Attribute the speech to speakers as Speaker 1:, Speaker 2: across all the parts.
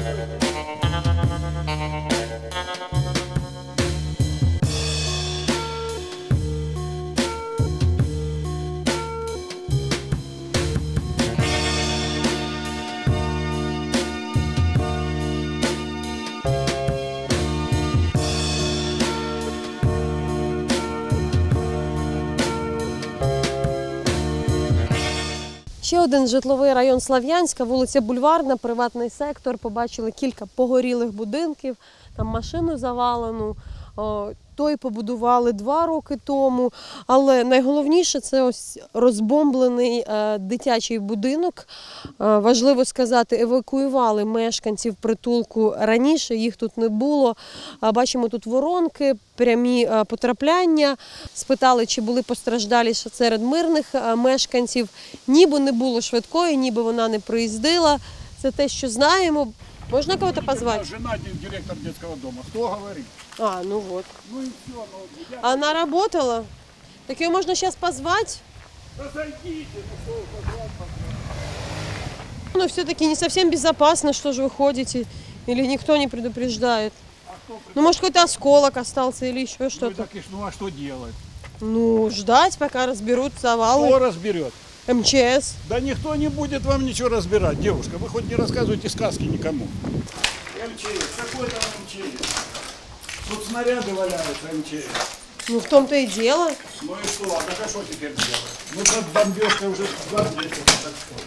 Speaker 1: Ще один житловий район Слов'янська, вулиця Бульварна, приватний сектор. Побачили кілька погорілих будинків, там машину завалену. Той побудували 2 роки тому. Але найголовніше – це ось розбомблений дитячий будинок. Важливо сказати, евакуювали мешканців притулку раніше, їх тут не було. Бачимо тут воронки, прямі потрапляння. Спитали, чи були постраждалі серед мирних мешканців. Ніби не було швидкої, ніби вона не приїздила. Це те, що знаємо. Можно кого-то позвать?
Speaker 2: Жена директор детского дома. Кто говорит?
Speaker 1: Ну вот.
Speaker 2: Ну и все. Ну,
Speaker 1: Она работала? Так ее можно сейчас позвать?
Speaker 2: Разойдите, ну что вы позвать?
Speaker 1: Но все-таки не совсем безопасно, что же вы ходите. Или никто не предупреждает. Ну, может, какой-то осколок остался или еще что-то.
Speaker 2: Ну а что делать?
Speaker 1: Ну, ждать, пока разберут завалы.
Speaker 2: Кто разберет?
Speaker 1: МЧС.
Speaker 2: Да никто не будет вам ничего разбирать, девушка. Вы хоть не рассказывайте сказки никому. МЧС, какой там МЧС? Тут снаряды валяются, МЧС.
Speaker 1: Ну, в том-то и дело.
Speaker 2: Ну и что? А что теперь делать? Ну, под бомбежкой уже 20 лет, так что.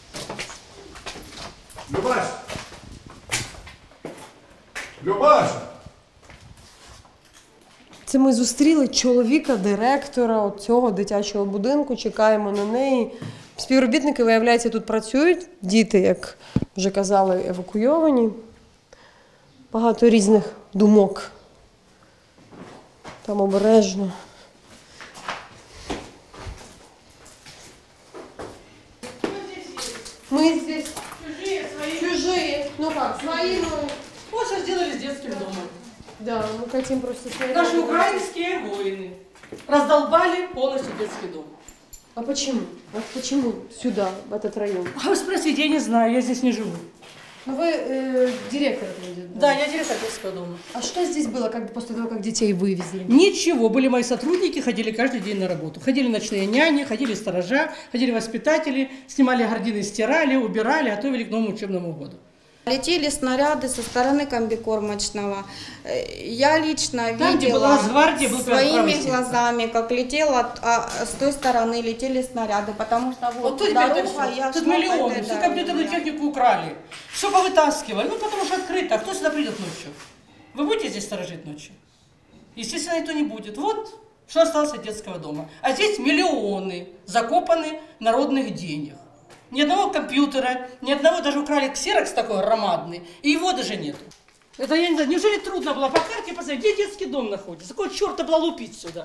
Speaker 2: Любаш! Любаш!
Speaker 1: Це ми зустріли чоловіка, директора цього дитячого будинку, чекаємо на неї. Співробітники, виявляється, тут працюють, діти, як вже казали, евакуйовані. Багато різних думок. Там обережно. Мы здесь.
Speaker 3: Чужие, свои.
Speaker 1: Чужие. Ну как, свои, но...
Speaker 3: Вот что сделали с детским домом.
Speaker 1: Да, мы хотим просто снять.
Speaker 3: Наши украинские воины раздолбали полностью детский дом.
Speaker 1: А почему? Вот почему сюда, в этот район?
Speaker 3: А вы спросите, я не знаю, я здесь не живу.
Speaker 1: Ну вы директор этого дома?
Speaker 3: Да, я директор детского дома.
Speaker 1: А что здесь было после того, как детей вывезли?
Speaker 3: Ничего, были мои сотрудники, ходили каждый день на работу. Ходили ночные няни, ходили сторожа, ходили воспитатели, снимали гардины, стирали, убирали, готовили к новому учебному году.
Speaker 4: Летели снаряды со стороны комбикормочного. Я лично
Speaker 3: Там,
Speaker 4: видела
Speaker 3: своими
Speaker 4: глазами, как летела, а с той стороны летели снаряды, потому что
Speaker 3: вот тут
Speaker 4: дорога, я
Speaker 3: тут
Speaker 4: шла по
Speaker 3: миллионы,
Speaker 4: этой
Speaker 3: всю
Speaker 4: дороге.
Speaker 3: компьютерную технику украли, все повытаскивали, ну потому что открыто, а кто сюда придет ночью? Вы будете здесь сторожить ночью? Естественно, никто не будет. Вот что осталось от детского дома. А здесь миллионы закопаны народных денег. Ни одного компьютера, ни одного, даже украли ксерокс такой громадный, и его даже нету. Это я не знаю, неужели трудно было по карте посмотреть, где детский дом находится? Какого черта было лупить сюда?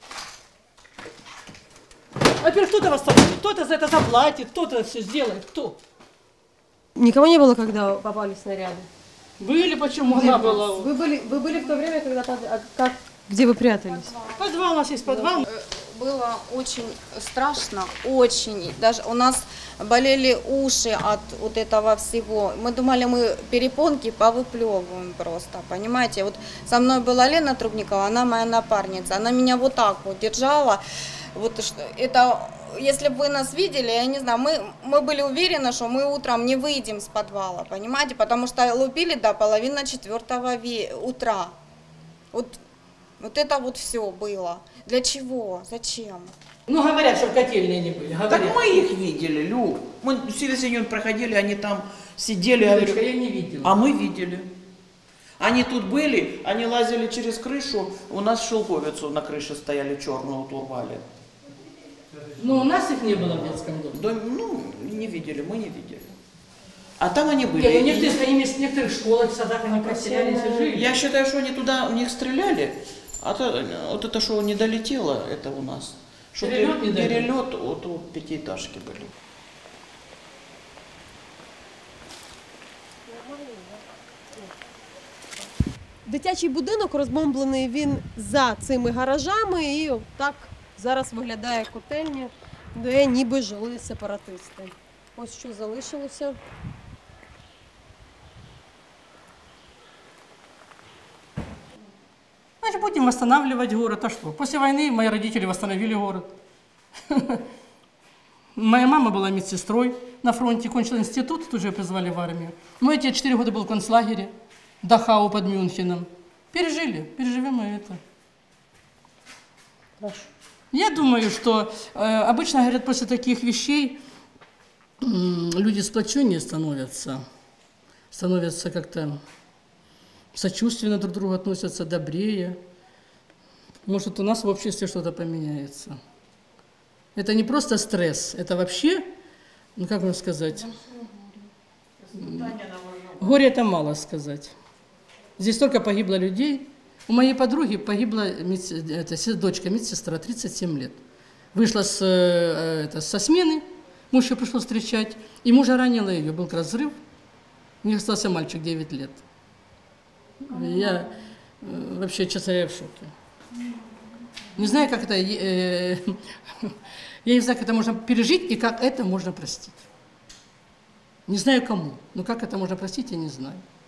Speaker 3: Во-первых, кто-то восстановит, кто-то за это заплатит, кто-то все сделает, кто?
Speaker 1: Никого не было, когда попали снаряды?
Speaker 3: Были, почему она была?
Speaker 1: Вы были в то время, когда... Где вы прятались?
Speaker 3: Подвал, у нас есть подвал.
Speaker 4: Было очень страшно, очень. Даже у нас болели уши от вот этого всего. Мы думали, мы перепонки повыплевываем просто, понимаете. Вот со мной была Лена Трубникова, она моя напарница. Она меня вот так вот держала. Вот это, если бы вы нас видели, я не знаю, мы были уверены, что мы утром не выйдем с подвала, понимаете. Потому что лупили до 3:30 утра. Вот это вот все было. Для чего? Зачем?
Speaker 3: Ну, говорят, что котельные не были. Говорят.
Speaker 5: Так мы их видели, Лю. Мы Силисиньон проходили, они там сидели.
Speaker 3: Девочка, я не видела.
Speaker 5: А мы видели. Они тут были, они лазили через крышу. У нас шелковицу на крыше стояли, черную урвали.
Speaker 3: Но у нас их не было в детском доме.
Speaker 5: Да, ну, не видели, мы не видели. А там они были.
Speaker 3: Нет, ну, в некоторых школах, в садах они поселялись и жили.
Speaker 5: Я считаю, что они туда, в них стреляли. А то, вот это, что не долетело, это у нас. Что перелет вот у пятиэтажки были.
Speaker 1: Дитячий будинок розбомблений він за цими гаражами, і так зараз виглядає котельня, де ніби жили сепаратисти. Ось що залишилося.
Speaker 3: будем восстанавливать город. А что? После войны мои родители восстановили город. Моя мама была медсестрой на фронте, кончила институт, тут же ее призвали в армию. Мой отец 4 года был в концлагере, Дахау под Мюнхеном. Переживем и это.
Speaker 1: Хорошо.
Speaker 3: Я думаю, что обычно говорят, после таких вещей люди сплоченнее становятся как-то сочувственно друг к другу относятся, добрее. Может, у нас в обществе что-то поменяется. Это не просто стресс, это вообще, ну как вам сказать, горе это мало сказать. Здесь столько погибло людей. У моей подруги погибла дочка, медсестра, 37 лет. Вышла со смены, муж ее пришел встречать, и мужа ранила ее, был разрыв. У них остался мальчик 9 лет. Я вообще, честно говоря, в шоке. Не знаю, как это, я не знаю, как это можно пережить и как это можно простить. Не знаю кому, но как это можно простить, я не знаю.